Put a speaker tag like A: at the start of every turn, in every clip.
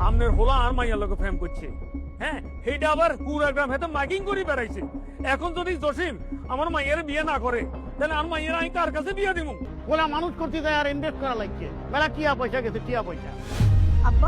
A: আমনের হোলা আর মাইয়ার লোক প্রেম করছে। হ্যাঁ, সেইটা আবার পুরা গ্রাম হেতে মাইকিং করে বেড়াইছে। এখন যদি জসিম আমার মাইয়ের বিয়ে না করে, তাহলে আর মাইয়ের আমি কার কাছে বিয়ে দিব?
B: ওলা মানুষ করতে যায় আর ইনভেস্ট করা লাগছে, মেলা টিয়া পয়সা গেছে, টিয়া পয়সা।
C: আব্বা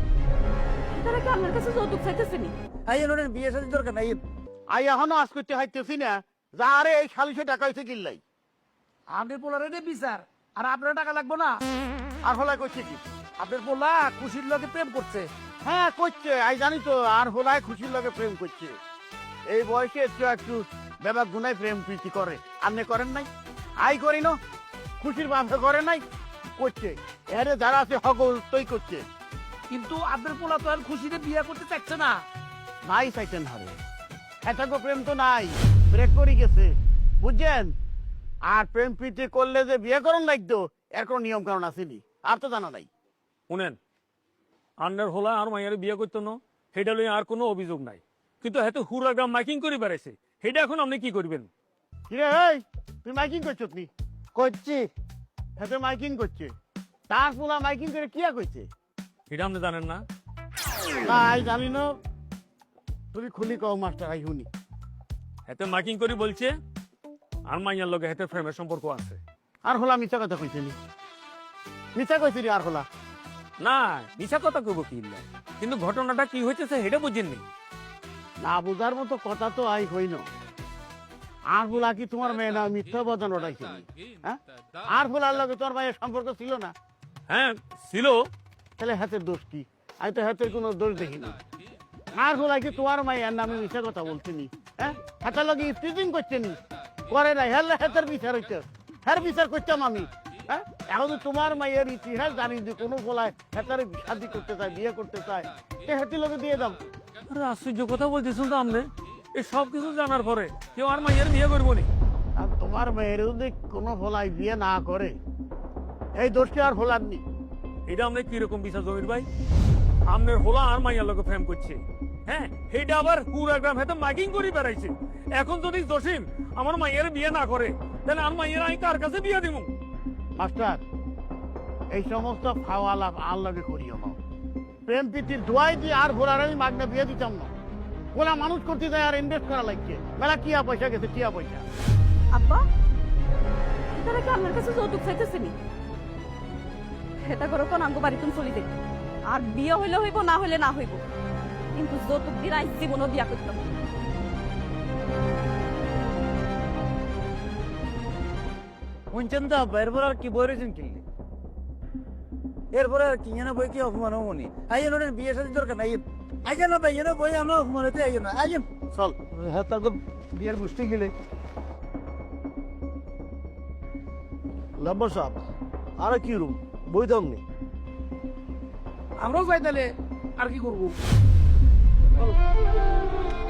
C: তারা কি আপনার কাছে যৌতুক চাইতেছেনি?
B: বিয়ে সাথে দরকার নাই। আই এখনো আজ করতে হাইতেছি না, যা আরে এই 40 টাকা হয়েছে কিনলাই।
D: আপনি পোলার এনে বিচার আর আপনার টাকা লাগবে না।
B: আর হলাই করছে কি?
D: আপনার পোলা খুশির লোকে প্রেম করছে।
B: হ্যাঁ করছে, আই জানি তো। আর হলাই খুশির লগে প্রেম করছে। এই বয়সে একটু একটু বেবা গুনায় প্রেম প্রীতি করে। আপনি করেন নাই? আই করি না, খুশির বাপে করে নাই, করছে। এরে যারা আছে হগল তৈ করছে।
D: কিন্তু আপনার পোলা তো আর খুশিতে বিয়ে করতে চাচ্ছে না।
B: নাই চাইতেন হারে, এটাকে প্রেম তো নাই, ব্রেক করে গেছে, বুঝছেন? আর প্রেম প্রীতি করলে যে বিয়ে করন লাগতো, এর কোনো নিয়ম কারণ আসেনি, আর তো জানা নাই।
A: শুনেন, আন্নার হোলা আর মাইয়ার বিয়ে করতো না, সেটা লইয়া আর কোনো অভিযোগ নাই। কিন্তু হেতু হুরা গ্রাম মাইকিং করে বেড়াইছে, সেটা এখন আপনি কি করবেন?
B: কিরে এই, তুই মাইকিং করছো? তুই করছি, হাতে মাইকিং করছে। তার পোলা মাইকিং করে কিয়া কইছে?
A: এটা আপনি জানেন না?
B: তাই জানি না, তুমি খুলি কও মাস্টার, আই শুনি।
A: হেতে মাইকিং করে বলছে আর মাইয়ার লগে হেতে প্রেমের সম্পর্ক আছে।
B: আর হলা মিথ্যা কথা কইছে নি? মিথ্যা কইছি রে আর হলা?
A: না, মিছা কথা কইব কি ইল্লা, কিন্তু ঘটনাটা কি হইতেছে সেটা বুঝেননি।
B: না বুঝার মতো কথা তো আই হই না। আর বলা কি তোমার মেয়ে না মিথ্যা বদন ওটাইছে? হ্যাঁ, আর বলার লগে তোর ভাইয়ের সম্পর্ক ছিল না?
A: হ্যাঁ ছিল।
B: তাহলে হাতের দোষ কি? আমি তো হাতের কোনো দোষ দেখিনি। আর বলা কি তোমার মায়ের নামে মিথ্যা কথা বলছে নি? হ্যাঁ, হাতের লগে স্টিচিং করছে নি? করে নাই, হেলে হাতের বিচার হইতে, হ্যাঁ বিচার করতাম আমি। হ্যাঁ, এখন তো তোমার মায়ের ইতিহাস জানি যে কোনো বলায় হাতের শাদি করতে চায়, বিয়ে করতে চায়, সে হাতির লগে দিয়ে দাও।
A: আরে আশ্চর্য কথা বলতেছেন তো আপনি। এই সব কিছু জানার পরে কেউ আর মাইয়ার বিয়ে করবো নি?
B: আর তোমার মেয়ের যদি কোনো ভোলায় বিয়ে না করে, এই দোষটি আর ভোলার নি।
A: এটা আপনি কিরকম বিচার জমির ভাই? আপনার হোলা আর মাইয়ার লোক প্রেম করছে। হ্যাঁ, সেইটা আবার পুরা গ্রাম হেতে মাইকিং করে বেড়াইছে। এখন যদি জসিম আমার মাইয়ের বিয়ে না করে, তাহলে আর মাইয়ের আমি কার কাছে বিয়ে দিব?
B: মাস্টার, এই সমস্ত খাওয়া লাভ আর লগে করিও না। প্রেম প্রীতির দোয়াই দিয়ে আর ভোলার আমি মাগনা বিয়ে দিতাম না। ওলা মানুষ করতে যায় আর ইনভেস্ট করা লাগছে, মেলা টিয়া পয়সা গেছে, টিয়া পয়সা।
C: আব্বা তারা কি আপনার কাছে যৌতুক চাইতেছেনি? এটা করো কোন আমগো বাড়ি তুমি চলি দেখি। আর বিয়ে হইলে হইব, না হইলে না হইব, কিন্তু যৌতুক দিয়ে আজ জীবনও বিয়া করতাম না।
E: শুনছেন তো আব্বা, এরপর আর কি বই রয়েছেন কিনলে? এরপরে আর কি যেন বই কি অপমান হবনি? আইয়েন ওদের বিয়ে সাথে দরকার নাই। আইয়েন না ভাই, যেন বই আমরা অপমান হতে আইয়েন না। আইয়েন
B: চল।
E: হ্যাঁ, তারপর বিয়ের বুঝতে গেলে
B: লম্বর সাহেব, আর কি রুম বই দাম নেই।
D: আমরাও যাই তাহলে, আর কি করবো?